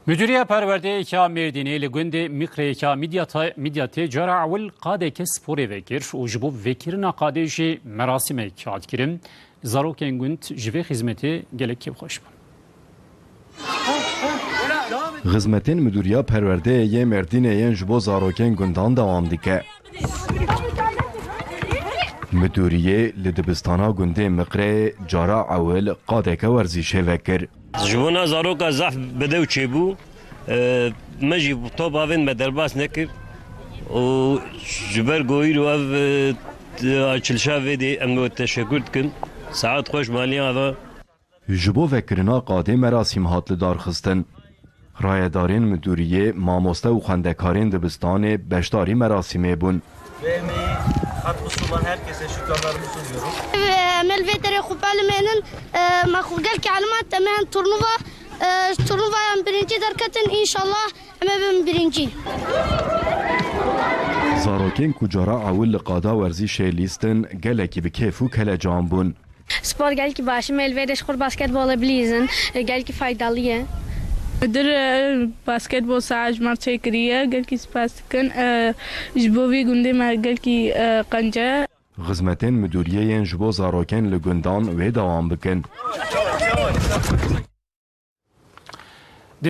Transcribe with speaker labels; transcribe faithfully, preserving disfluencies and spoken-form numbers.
Speaker 1: مديرية پرورده اکا مردینه لگوند میکره اکا میدیات جارا اول قاده که سپوره وکر و جبو وکرنا قاده جی مراسم اکاد کرم زاروکن گوند جوه خدمتی گلک خوش بون.
Speaker 2: خدمتین مدیریه پرورده ی مردینه ین جبو زاروکن گوندان دوام دیگه. مدیریه لدبستانا گونده مقره جارا اول قاده که ورزیشه وکر.
Speaker 3: جوانا زاروکا زحف بده و چه بو مجی تو باوین مدرباس نکر و جبر گویر و اف چلشا ویدی امنو تشکر کن ساعت خوش مالی آوا
Speaker 2: جبو وکرنا قاده مراسم هات لدار خستن رایدارین مدیریه ماموسته و خندکارین دبستان بشتاری مراسمه بون.
Speaker 4: Ve emeği katkısı olan herkese şükranlarımı sunuyorum.
Speaker 5: ملفيتري خبال منن ما خوجل كعلمات تمام تورنوفا تورنوفا يوم برينجي دركتن إن شاء الله أما بن برينجي.
Speaker 2: زاروکن کجارا اول قادا ورزیشه لیستن گلکی بکیفو کل جانبون.
Speaker 6: Spor gel ki başı melvede şkur basketbola bilizin gel ki faydalıya.
Speaker 7: در باسکتبال ساعت مرچه کریه گل کی سپاس کن جبوی گنده ما گل کی قنجه
Speaker 2: خدمتین مدیریه ین جبو زاروکن لگندان و دوام بکن.